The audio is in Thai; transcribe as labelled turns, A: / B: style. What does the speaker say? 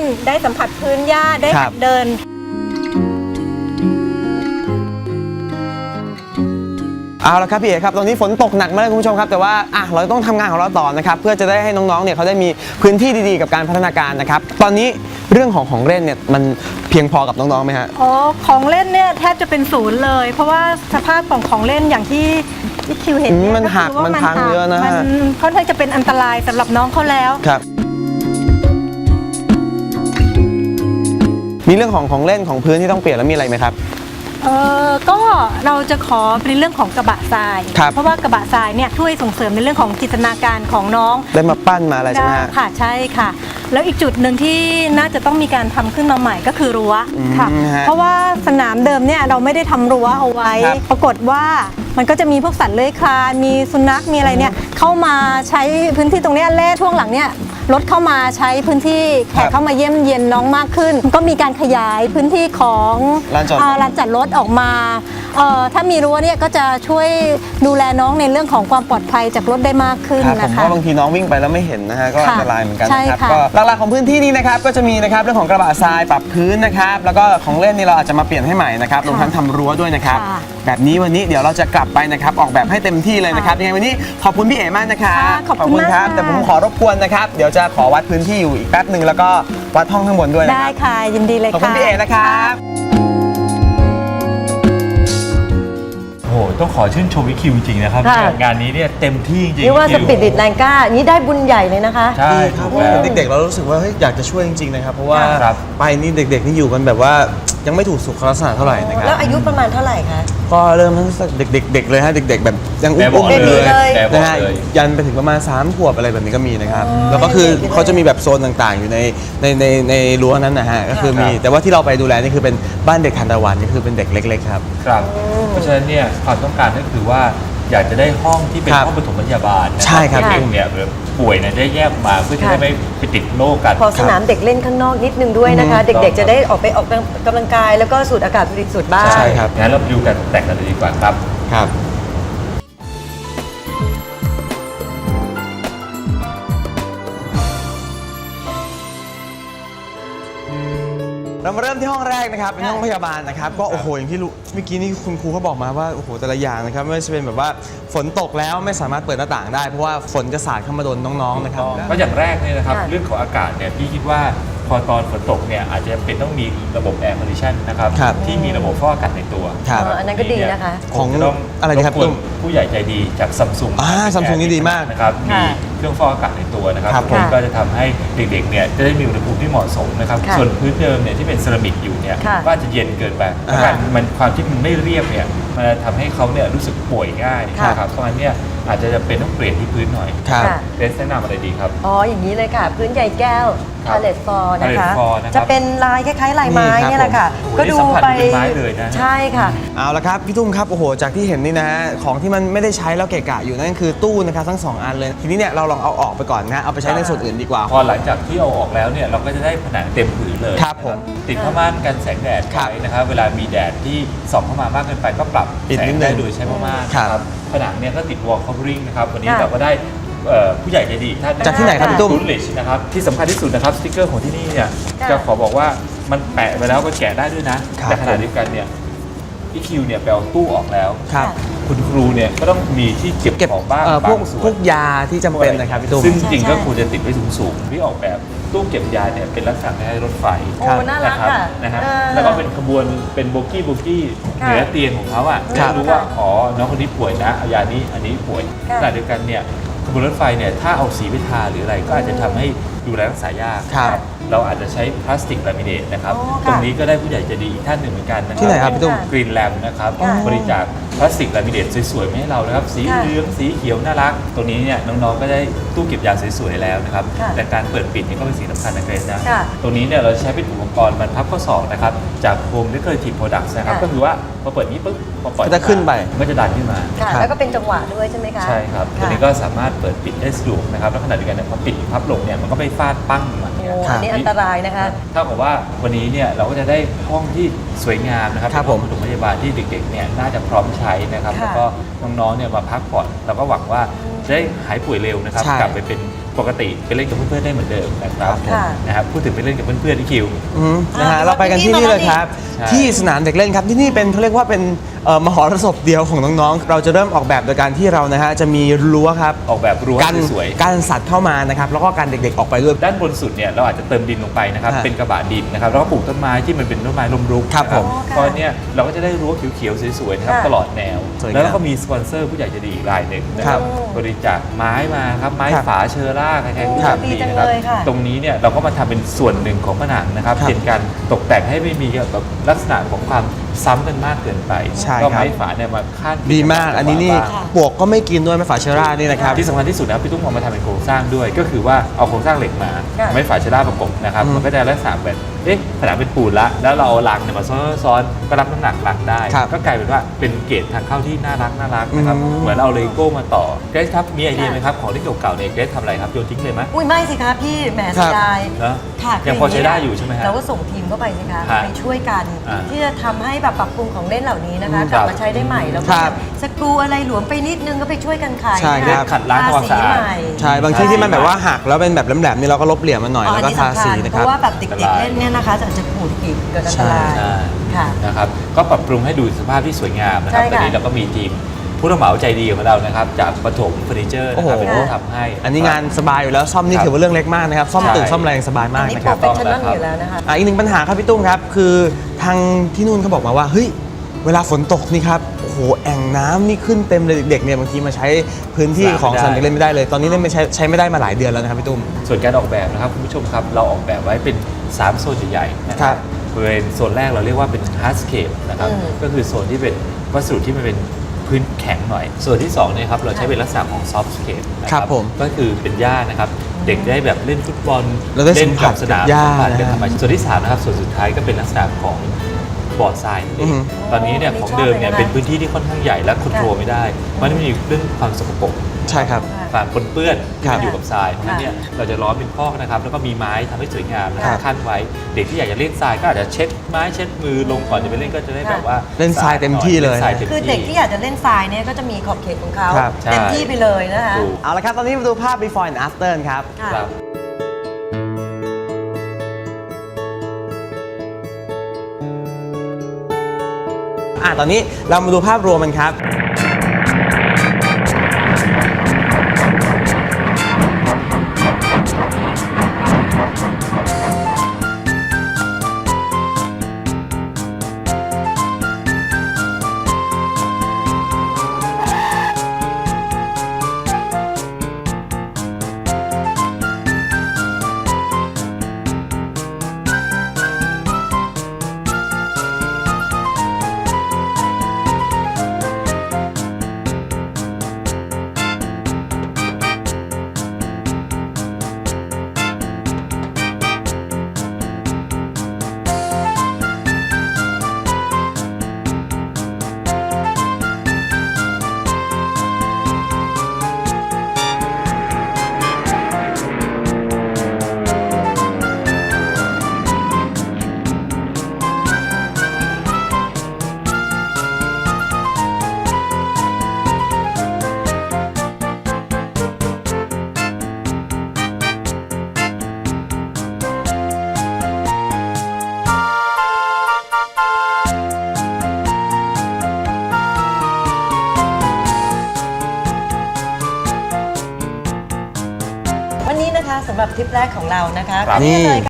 A: ได้สัมผัสพื้นหญ้าได้หัดเดิน
B: เอาละครับพี่เอ๋ครับตอนนี้ฝนตกหนักมากคุณผู้ชมครับแต่ว่าเราต้องทำงานของเราต่อนะครับเพื่อจะได้ให้น้องๆเนี่ยเขาได้มีพื้นที่ดีๆกับการพัฒนาการนะครับตอนนี้เรื่องของเล่นเนี่ยมันเพียงพอกับน้องๆไหมฮะ
A: ของเล่นเนี่ยแทบจะเป็นศูนย์เลยเพราะว่าสภาพของเล่นอย่างที่คิวเห็น
B: มันหักมันพังเยอะนะฮะ
A: มันค่อนข้างจะเป็นอันตรายสำหรับน้องเขาแล้ว
B: ครับมีเรื่องของเล่นของพื้นที่ต้องเปลี่ยนแล้วมีอะไรไหมครับ
A: ก็เราจะขอเป็นเรื่องของกระบะทรายเพราะว่ากระบะทรายเนี่ยช่วยส่งเสริมในเรื่องของจินตนาการของน้อง
B: ได้มาปั้นมาอะไรใช่ไหม
A: ค่ะใช่ค่ะแล้วอีกจุดหนึ่งที่น่าจะต้องมีการทำขึ้นมาใหม่ก็คือรั้วค่ะเพราะว่าสนามเดิมเนี่ยเราไม่ได้ทำรั้วเอาไว้ปรากฏว่ามันก็จะมีพวกสัตว์เลื้อยคลานมีสุนัขมีอะไรเนี่ยเข้ามาใช้พื้นที่ตรงนี้แล่ช่วงหลังเนี่ยรถเข้ามาใช้พื้นที่แขกเข้ามาเยี่ยมเยียนน้องมากขึ้นก็มีการขยายพื้นที่ของลานจอดรถออกมาถ้ามีรั้วเนี่ยก็จะช่วยดูแลน้องในเรื่องของความปลอดภัยจากรถได้มากขึ้นนะคะ
B: ผมว่าบางทีน้องวิ่งไปแล้วไม่เห็นนะฮะก็อันตรายเหมือนกันนะครับก็หลักๆของพื้นที่นี้นะครับก็จะมีนะครับเรื่องของกระบะทรายปรับพื้นนะครับแล้วก็ของเล่นนี่เราอาจจะมาเปลี่ยนให้ใหม่นะครับรวมทั้งทำรั้วด้วยนะครับแบบนี้วันนี้เดี๋ยวเราจะกลับไปนะครับออกแบบให้เต็มที่เลยนะครับยังไงวันนี้ขอบคุณพี่เอ๋มากนะครับ
A: ขอบคุณครับ
B: แต่ผมขอรบกวนนะครับเดี๋ยวจะขอวัดพื้นที่อยู่อีกแป๊บนึงแล้วก็วัดห้องข้างบนด้วยนะครับ
A: ได้ค่ะยินดีเลยค่ะ
B: ขอบคุณพี่เอ๋นะครับ
C: โอ้โหต้องขอชื่นชมวิคิวจริงๆนะครับงานนี้เนี่ยเต็มที่จริงๆ
D: นี่ว่าสปิริตแรงกล้านี้ได้บุญใหญ่เลยนะคะ
C: ใช่ครับ
B: เด็กๆเรารู้สึกว่าอยากจะช่วยจริงๆนะครับเพราะว่าไปนี่เด็กๆนี่อยู่กันแบบว่ายังไม่ถูกสุขลักษณะเท่าไหร่นะครับ
D: แล้วอายุประมาณเท่าไหร่คะ
B: ก็เริ่มทั้งเด็กๆเลยฮะเด็กๆแบบยังอุ้ม
D: เลย
B: นะฮะยันไปถึงประมาณ3 ขวบอะไรแบบนี้ก็มีนะครับแล้วก็คือเขาจะมีแบบโซนต่างๆอยู่ในรั้วนั้นนะฮะก็คือมีแต่ว่าที่เราไปดูแลนี่คือเป็นบ้านเด็กทานตะวันนี่คือเป็นเด็กเล็กๆครับ
C: เพราะฉะนั้นเนี่ยความต้องการก็คือว่าอยากจะได้ห้องที่เป็นห้องปฐมพยาบาล
B: ใช่ครับ
C: เด็กเนี่ยป่วยเนี่ยได้แยกมาเพื่อที่จะไม่ไปติดโรคกัน
D: พอสนามเด็กเล่นข้างนอกนิดนึงด้วยนะคะเด็กๆจะได้ออกกำลังกายแล้วก็สูดอากาศบริสุทธิ์บ้าง
B: ใช่ครับ
C: งั้นเราดูกันแต่งกันเลยดีกว่าครับ
B: เรามาเริ่มที่ห้องแรกนะครับเป็นห้องพยาบาลนะครับก็โอ้โหอย่างที่เมื่อกี้นี่คุณครูเขาบอกมาว่าโอ้โหแต่ละอย่างนะครับไม่ว่าจะเป็นแบบว่าฝนตกแล้วไม่สามารถเปิดหน้าต่างได้เพราะว่าฝนจะสาดเข้ามาโดนน้องๆนะครับ
C: ก็อย่างแรกเนี่ยนะครับเรื่องของอากาศเนี่ยพี่คิดว่าพอตอนฝนตกเนี่ยอาจจะเป็นต้องมีระบบแอร์คอนดิชันนะครับที่มีระบบฟอกอากาศในตัว
D: อันนั้นก็ดีนะคะ
B: ของอะไรนะครับ
C: ผู้ใหญ่ใจดีจากซัมซุง
B: นี่ดีมาก
C: นะครับมีเครื่องฟอกอากาศในตัวนะครับก็จะทำให้เด็กๆเนี่ยจะได้มีอุณหภูมิที่เหมาะสมนะครับส่วนพื้นเดิมเนี่ยที่เป็นเซรามิกอยู่เนี่ยก็จะเย็นเกินไปมันความที่มันไม่เรียบเนี่ยมันทำให้เขาเนี่ยรู้สึกป่วยง่ายนะครับเพราะฉะนั้นเนี่ยอาจจะเป็นต้องเปลี่ยนที่พื้นหน่อยเรสแนะนำอะไรดีครับ
D: อย่างนี้เลยค่ะพื้นใยแก้วพาเลตฟอร์นะคะจะเป็นลายคล้ายๆลายไม้นี่แหละค่ะ
C: ก็ดูไป
D: ใช่ค่ะ
B: เอาละครับพี่ตุ้มครับโอ้โหจากที่เห็นนี่นะของที่มันไม่ได้ใช้แล้วเกะกะอยู่นั่นคือตู้นะครับทั้ง2 อันเลยทีนี้เนี่ยเราลองเอาออกไปก่อนนะเอาไปใช้ในส่วนอื่นดีกว่า
C: พอหลังจากที่เอาออกแล้วเนี่ยเราก็จะได้ผนังเต็มผืนเลย
B: ครับผม
C: ติดผ้าม่านกันแสงแดดไว้นะครับเวลามีแดดที่ส่องเข้ามามากเกินไปก็ปรับแสงได้โดยใช้ผ้าม่านครับผนังเนี่ยก็ติดวอลคัฟเวอริ่งนะครับวันนี้เราก็ได้ผู้ใหญ่ใจดีท่าน
B: จากที่ไหนครับพี่ตุ้ม
C: ทูลิชนะครับที่สำคัญที่สุดนะครับสติ๊กเกอร์ของที่นี่เนี่ยจะขอบอกว่ามันแปะไปแล้วก็แกะได้ด้วยนะแต่ขณะเดียวกันเนี่ยพี่คิวเนี่ยไปเอาตู้ออกแล้วคุณครูเนี่ยก็ต้องมีที่เก็บของบ้าง
B: พวกยาที่จำเป็นนะครับพี่ตุ้ม
C: ซึ่งจริงก็ควรจะติดไว้สูงๆที่ออกแบบตู้เก็บยาเนี่ยเป็นลักษณะคล้ายรถไฟ
D: นะครับ
C: แล้วก็เป็นขบวนเป็นโบกี้เหนือเตียงของเขาอ่ะรู้ว่าอ๋อน้องคนนี้ป่วยนะเอายานี้อันนี้ป่วยขณะเดียวกันเนี่ยขบวนรถไฟเนี่ยถ้าเอาสีไปทาหรืออะไรก็อาจจะทำให้ดูแลรักษายากเราอาจจะใช้พลาสติกลามิเนตนะครับตรงนี้ก็ได้ผู้ใหญ่ใจดีอีกท่านหนึ่งเหมือนกันนะครับ
B: ที่ไหนครับพี่ตุ้ม
C: กรีนแลมนะครับบริจาคพลาสติกลามิเนตสวยๆมาให้เรานะครับสีเหลืองสีเขียวน่ารักตรงนี้เนี่ยน้องๆก็ได้ตู้เก็บยาสวยๆแล้วนะครับแต่การเปิดปิดนี่ก็เป็นสิ่งสำคัญนะเกรซนะตรงนี้เนี่ยเราใช้เป็นอุปกรณ์บรรพับข้อศอกนะครับจาก Home Decorative Products นะครับก็คือว่าพอเปิดนี้ปุ๊บพอปล่อย
B: จะขึ้นไป
C: ก็จะดันขึ้นมา
D: แล้วก็เป็นจังหวะด้วยใช่ไหมคะ
C: ใช่ครับตัวนี้ก็สามารถเปิดปิดได้สะดวกนะครับแล้วขณะเดียวกันเนี่ยพอปิดพับลงเนี่ยมันก็ไม่ฟาดปั้งมา
D: อันนี้อันตรายนะคะ
C: เท่ากับว่าวันนี้เนี่ยเราก็จะได้ห้องที่สวยงามนะครับ
B: เป็นห้อง
C: ปฐมพยาบาลที่เด็กๆเนี่ยน่าจะพร้อมใช้นะครับแล้วก็น้องๆเนี่ยมาพักผ่อนเราก็หวังว่าจะได้หายป่วยเร็วนะครับกลับไปเป็นปกติไปเล่นกับเพื่อนๆได้เหมือนเดิมนะครับ
D: ค่ะ
C: นะครับพูดถึงไปเล่นกับเพื่อนๆที่คิว
B: นะฮะเราไปกันที่นี่เลยครับ
C: ใช่
B: ที่สนามเด็กเล่นครับที่นี่เป็นเขาเรียกว่าเป็นมหรสพเดียวของน้องๆเราจะเริ่มออกแบบโดยการที่เรานะฮะจะมีรั้วครับ
C: ออกแบบรั้ว
B: กัน
C: สวย
B: การสัตว์เข้ามานะครับแล้วก็การเด็กๆออกไปด้วย
C: ด้านบนสุดเนี่ยเราอาจจะเติมดินลงไปนะครับ
B: ฮะ
C: เป็นกระบะดินนะครับแล้วก็ปลูกต้นไม้ที่มันเป็นต้นไม้ลมรุก
B: ครับผม
C: ตอนเนี้ยเราก็จะได้รั้วเขียวๆสวยๆนะครับ
D: ค่ะ
C: ตลอดแนว
B: สวยงาม
C: แล้วก็มีสปอนเซอร์ผู้ใหญ่ใจดีอีกรายหนึ่งนะค
B: ครั
C: รับบ บริจาคไม้มาครับไม้
B: ครับ
C: ฝาเชอร่าใครๆรู้
B: ครั
C: จั
B: บ
C: กดีนะครับ
D: ดีจังเลยค่ะ
C: ตรงนี้เนี่ยเราก็มาทำเป็นส่วนหนึ่งของผนังนะครับ
B: ครับ
C: เป็นการตกแต่งให้ไม่มีแบบลักษณะของความซ้ำกันมากเกินไป
B: ใช่
C: ก็
B: ครับ
C: ไม้ฝาเนี่ยมาคาด
B: ดีมากอันนี้นี่
C: บ้าง
B: ปวกก็ไม่กินด้วยไม่ฝาเชอร่านี่นะครับ
C: ที่สำคัญที่สุดนะครับพี่ตุ้มเอามาทำเป็นโครงสร้างด้วย ก็คือว่าเอาโครงสร้างเหล็กมา
D: ค่ะ
C: ไม่ฝาเชล่าประกบนะครับ
B: อืม
C: มันก็จะลักษณะแบบผนังเป็นปูนละแล้วเราเอาลังเนี่ยมาซ้อนๆก็รับน้ำหนักลังได้
B: ครับ
C: ก็กลายเป็นว่าเป็นเกรดทางเข้าที่น่ารักนะครับ
B: อืม
C: เหมือนเอาเลโก้มาต่อเกรซครับมีไอเดียไหมครับของที่เก่าๆเนี่ยเกรซทำอะไรครับโยนทิ้งเลยไหม
D: อุ้ยไม่สิคะพี่แหม
B: ครั
D: เสี
B: บ
D: ยดาย
C: เนอะ
D: ค่ะ
C: ยังพอใช้ได้อยู่ใช่ไหมฮะ
D: เราก็ส่งทีมเข้าไปสิคะ
C: ฮะ
D: ไปช่วยกัน
C: อ่า
D: ที่จะทำให้แบบปรับปรุงของเล่นเหล่านี้นะคะ
C: อืม
D: กลับ
C: ครับ
D: มาใช้ได้ใหม่แล้ว
B: ค
D: ก็
B: รับ
D: สกรูอะไรหลวมไปนิดนึงก็ไปช่วยกันขาย
B: ใช่ครับ
C: ขัดล้างทำความสะอาด
D: ทสีใหม่
B: ใช่บางที่ที่มันแบบว่าหักแล้วเป็นแบบแหลมๆนี่เราก็ลบเหลี่ยมมันหน่อย
D: อ๋อ
B: แล้ว
D: อัน
B: ก็
D: นี้
B: ทา
D: สำคั
B: สี
D: ญ
B: นะค
D: เพ
B: รับ
D: ราะว่าแบบเด็กๆเล่นเนี่ยนะคะจะปวดปีกเกิดอันตราย
C: ใช่
D: ค่ะ
C: นะครับก็ปรับปรุงให้ดูสภาพที่สวยงามนะครับ
D: ใช่
C: ต
D: ค่ะ
C: อนนี้เราก็มีทีมผู้รับเหมาใจดีของเรานะครับจากปฐมเฟอร์นิเจอร์นะครับ
B: โอ้โห
C: เป็นผู้ทำให้
B: อันนี้งานสบายอยู่แล้วซ่อมนี่
C: ครับ
B: ถือว่าเรื่องเล็กมากนะครับซ่อม
C: ใช่
B: ตึกซ่อมแรงสบายมาก
D: อันนี้
B: นะ
D: โป
B: ค
D: ร
B: รับ
D: เฟชชั่นอลอยู่แล้วนะคะ
B: อีกหนึ่งปัญหาครับพี่ตุ้มครับคือทางที่นู่นเขาบอกมาว่าเฮ้ยเวลาฝนตกนี่ครับโอ้โหแอ่งน้ำนี่ขึ้นเต็มเลยเด็กๆเนี่ยบางทีมาใช้พื้นที่ของสนามเด็กเล่นไม่ได้เลยตอนนี้เล่นไม่ใช้ไม่ได้มาหลายเดือนแล้วนะครับพี่ตุ้ม
C: ส่วนการออกแบบนะครับคุณผู้ชมครับเราออกแบบไว้เป็น 3 โซนใหญ่ๆนะค
B: ครั
C: รับบ บริเวณโซนแรกเราเรียกว่าเป็น hardscape นะครับ
D: อืม
C: ก็คือโซนที่เป็นวัสดุที่มันเป็นพื้นแข็งหน่อย ส่วนที่2เนี่ยครับเราใช้เป็นลักษณะของ softscape นะค
B: ครั
C: รั
B: บบ ผม
C: ก็คือเป็นหญ้านะครับเด็กได้แบบเล่นฟุตบอล
B: แล้วได้
C: เล่น
B: สัมผั
C: กั
B: ส
C: บสนาม
B: กับหญ้า
C: สัมผัสกับ
B: นะ
C: ธรรมชาติส่วนที่3นะครับส่วนสุดท้ายก็เป็นลักษณะของบอร์ดทรายนั่นเอง
B: อือฮึ
C: ตอนนี้เนี่ยของเดิมเนี่ยเป็นพื้นที่ที่ค่อนข้างใหญ่และควบคุมไม่ได้เพราะมันมีเรื่องความสกปรก
B: ใช่ครับ
C: ความปนเปื้อนที่
B: ครับ
C: มันอยู่กับทรายเพราะฉะนั้นเนี่ยเราจะล้อมเป็นคอกนะครับแล้วก็มีไม้ทำให้สวยงามนะค
B: ครั
C: รับบ ขั้นไว้เด็กที่อยากจะเล่นทรายก็อาจจะเช็ดไม้เช็ดมือลงก่อนจะไปเล่นก็จะได้แบบว่า
B: เล่นทรายเต็มที่เลย
C: นทรายต็ม
D: คือเด็กที่อยากจะเล่นทรายเนี่ยก็จะมีขอบเขตของเขา
B: ครับ
D: เต็มที่ไปเลยนะคะ
C: ถูก
B: เอาละครับตอนนี้มาดูภาพ before and after ครับ
D: ค่ะ
C: ครับ
B: ตอนนี้เรามาดูภาพรวมกันครับ
D: วันนี้นะคะสำหรับทริปแรกของเรานะคะ
C: ครับ
D: ก็นี่เลย